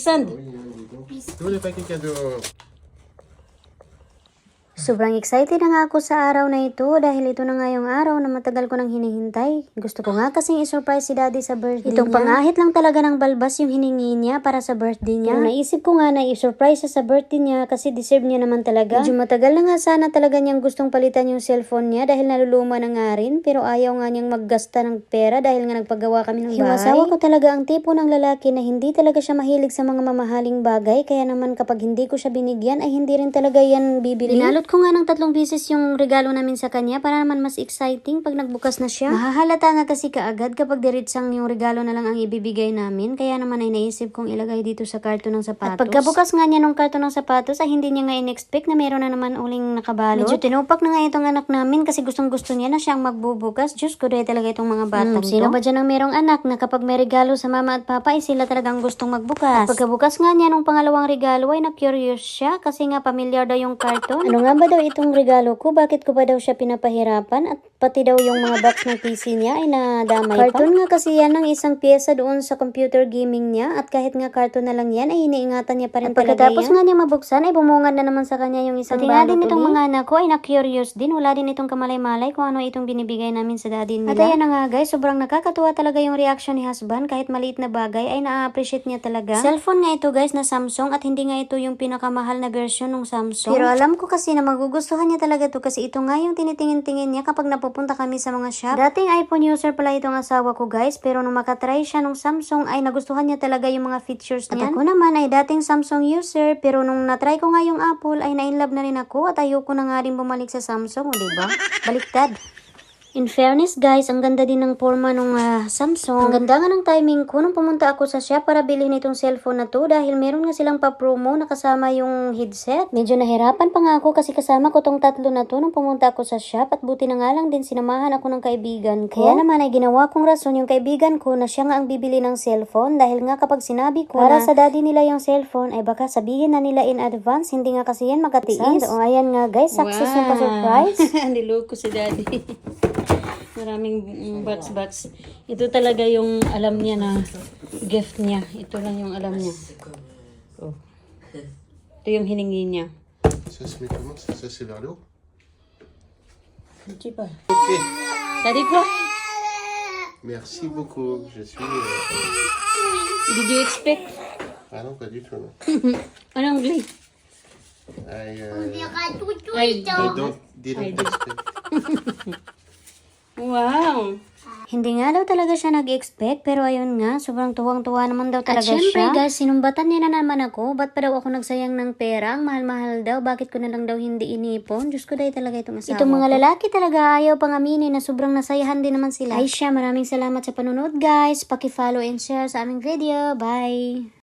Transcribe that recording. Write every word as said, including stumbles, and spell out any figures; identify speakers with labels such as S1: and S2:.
S1: Sand.
S2: Tu voulais pas quelqu'un de...
S3: Sobrang excited na nga ako sa araw na ito dahil ito na nga yung araw na matagal ko nang hinihintay. Gusto ko nga kasing i-surprise si daddy sa birthday Itong niya. Pangahit lang talaga ng balbas yung hiningi niya para sa birthday niya. Pero naisip ko nga na i-surprise sa birthday niya kasi deserve niya naman talaga. Medyo matagal na nga sana talaga niyang gustong palitan yung cellphone niya dahil naluluma na nga rin. Pero ayaw nga niyang maggasta ng pera dahil nga nagpagawa kami ng bahay. Hiwasawa ko talaga ang tipo ng lalaki na hindi talaga siya mahilig sa mga mamahaling bagay. Kaya naman kapag hindi ko siya binigyan ay hindi rin talaga yan bibili. Binalot ko nga ng tatlong beses yung regalo namin sa kanya para naman mas exciting pag nagbukas na siya. Mahahalata nga kasi kaagad kapag diritsang yung regalo na lang ang ibibigay namin. Kaya naman ay naisip kong ilagay dito sa karton ng sapatos. At pagkabukas nga niya ng karton ng sapatos ay hindi niya nga in-expect na meron na naman uling nakabalot. Medyo tinupak na nga itong anak namin kasi gustong gusto niya na siyang magbubukas. Diyos ko, dahil talaga itong mga batang hmm, to. Sino ba dyan ang merong anak na kapag may regalo sa mama at papa ay sila talagang gustong magbukas. At pagkabukas nga niya nung pangalawang regalo ay na-curious siya kasi nga familiar daw yung karton. Ano nga ba daw itong regalo ko? Bakit ko ba daw siya pinapahirapan? At pati daw yung mga box ng P C niya ay nadamay pa. Karton nga kasi yan ng isang pyesa doon sa computer gaming niya at kahit nga karton na lang yan ay iniingatan niya pa rin talaga yan. Pagkatapos nga niya mabuksan ay bumungad na naman sa kanya yung isang balot. Pati nga din itong mga anak ko ay na-curious din. Wala din itong kamalay-malay kung ano itong binibigay namin sa daddy nila. At ayan na nga guys, sobrang nakakatuwa talaga yung reaction ni husband. Kahit maliit na bagay ay na-appreciate niya talaga. Cellphone nga ito guys na Samsung at hindi nga ito yung pinakamahal na version ng Samsung. Pero alam ko kasi na magugustuhan niya talaga to kasi ito nga yung tinitingin-tingin niya kapag napupunta kami sa mga shop. Dating iPhone user pala itong asawa ko guys, pero nung makatry siya ng Samsung ay nagustuhan niya talaga yung mga features niyan. At ako naman ay dating Samsung user, pero nung natry ko nga yung Apple ay na-inlove na rin ako at ayoko na nga rin bumalik sa Samsung, o diba? Baliktad. In fairness guys, ang ganda din ng forma ng uh, Samsung. Ang ganda nga ng timing ko nung pumunta ako sa shop para bilhin itong cellphone na to dahil meron nga silang pa-promo na kasama yung headset. Medyo nahirapan pa nga ako kasi kasama ko tong tatlo na to nung pumunta ako sa shop at buti na nga lang din sinamahan ako ng kaibigan ko. Kaya naman ay ginawa kong rason yung kaibigan ko na siya nga ang bibili ng cellphone dahil nga kapag sinabi ko para na sa daddy nila yung cellphone ay baka sabihin na nila in advance, hindi nga kasi yan makatiis. O ayan nga guys, success wow. Yung pa-surprise.
S1: Niloko si daddy. Maraming box-box. Ito talaga yung alam niya na gift niya. Ito lang yung alam niya. Oh. Ito yung hiningi niya.
S2: Ça se met comment ça? Ça c'est vers le haut?
S1: Hindi pa.
S2: Ok.
S1: Daddy ko.
S2: Merci beaucoup. Je suis... Euh...
S1: Did you expect?
S2: Ah non, pas du tout. Non.
S1: Anong gli?
S2: I, uh...
S1: I
S2: don't, didn't expect.
S1: Wow!
S3: Hindi nga daw talaga siya nag-expect, pero ayun nga, sobrang tuwang-tuwa naman daw talaga siya. At syempre guys, sinumbatan niya na naman ako, ba't pa daw ako nagsayang ng pera? Ang mahal-mahal daw, bakit ko na lang daw hindi inipon? Diyos ko dahil talaga itong asawa Itong mga ko. Lalaki talaga ayaw pang aminin na sobrang nasayahan din naman sila. Ay siya, maraming salamat sa panonood guys. Paki-follow and share sa aming video. Bye!